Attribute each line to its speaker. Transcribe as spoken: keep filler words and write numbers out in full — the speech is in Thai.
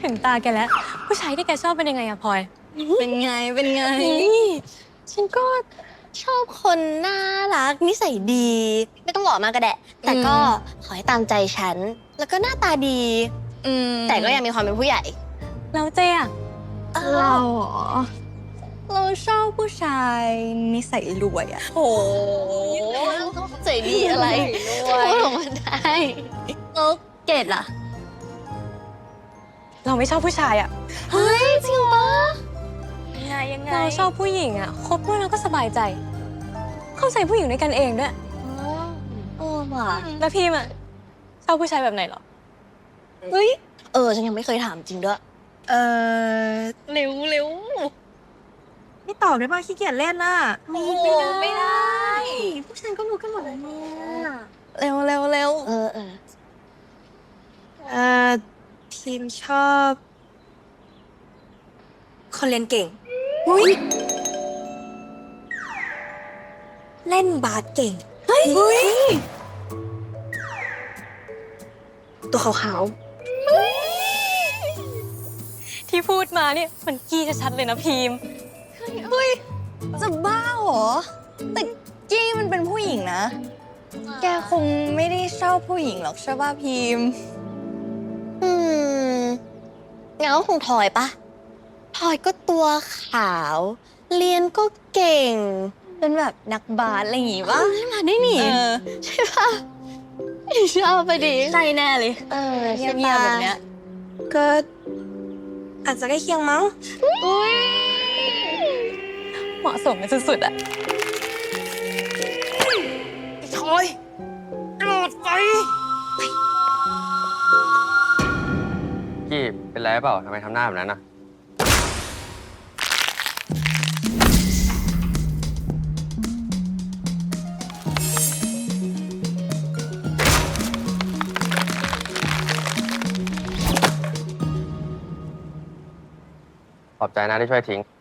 Speaker 1: ถึงตาแกแล้วผู้ชายที่แกชอบเป็นยังไงอะพลอย
Speaker 2: เป็นไงเป็นไง
Speaker 1: ฉันก็
Speaker 2: ชอบคนน่ารักนิสัยดี ไม่ต้องหล่อมากก็ได้แต่ก็ขอให้ตามใจฉัน แล้วก็หน้าตาดีแต่ก็ยังมีความเป็นผู้ใหญ่
Speaker 1: เราเจ๊อะ
Speaker 2: เราเหรอเราชอบผู้ชายนิสัยรวยอะโหใจดีอะไรรวยพูดออกมาได้แล้วเกดล่ะ
Speaker 1: เราไม่ชอบผู้ชายอะ
Speaker 2: เฮ้ยจริงปะ
Speaker 1: ยังไงยังไงเราชอบผู้หญิงอะคบด้วยแล้วก็สบายใจ เข้าใจผู้หญิงด้วยกันเองด้วย
Speaker 2: เออว่ะ
Speaker 1: แล้วพี่อะชอบผู้ชายแบบไหนหรอ
Speaker 2: เฮ้ยเออฉันยังไม่เคยถามจริงด้วยเออเร็วเร็ว
Speaker 3: ไม่ตอบได้ป่ะขี้เกียจเล่นน่ะ
Speaker 2: ไม่ได้ไม่ได้ผู้ชายก็รู้กันหมดแล้วเนี่ยเร็วเร็วเร็วเออเออ
Speaker 3: เอ่อทีมชอบคนเรียนเก่ง
Speaker 2: อุ้ย
Speaker 3: เล่นบาสเก่ง
Speaker 2: เฮ้ย
Speaker 3: ตัวขาว
Speaker 1: ๆที่พูดมาเนี่ยมันกี้ชัดๆเลยนะพีม
Speaker 2: เฮ้ยจะบ้าเหรอแต่กี้มันเป็นผู้หญิงนะแกคงไม่ได้ชอบผู้หญิงหรอกใช่ป่ะพิมอืมงั้นก็คงทอยปะทอยก็ตัวขาวเรียนก็เก่งเป็นแบบนักบาสอะไรอย่างงี้ปะมาได้หนิใช่ปะชอบไปดิใช่แน่เลยเออเงียบๆแบบเนี้ย
Speaker 3: ก็อาจจะใกล้เคียงมั้ง
Speaker 1: เหมาะสมกันสุดๆอะ
Speaker 3: ทอยกระโดดไป
Speaker 4: กี้เป็นไรเปล่าทำไมทำหน้าแบบนั้นน่ะขอบใจนะที่ช่วยทิ้ง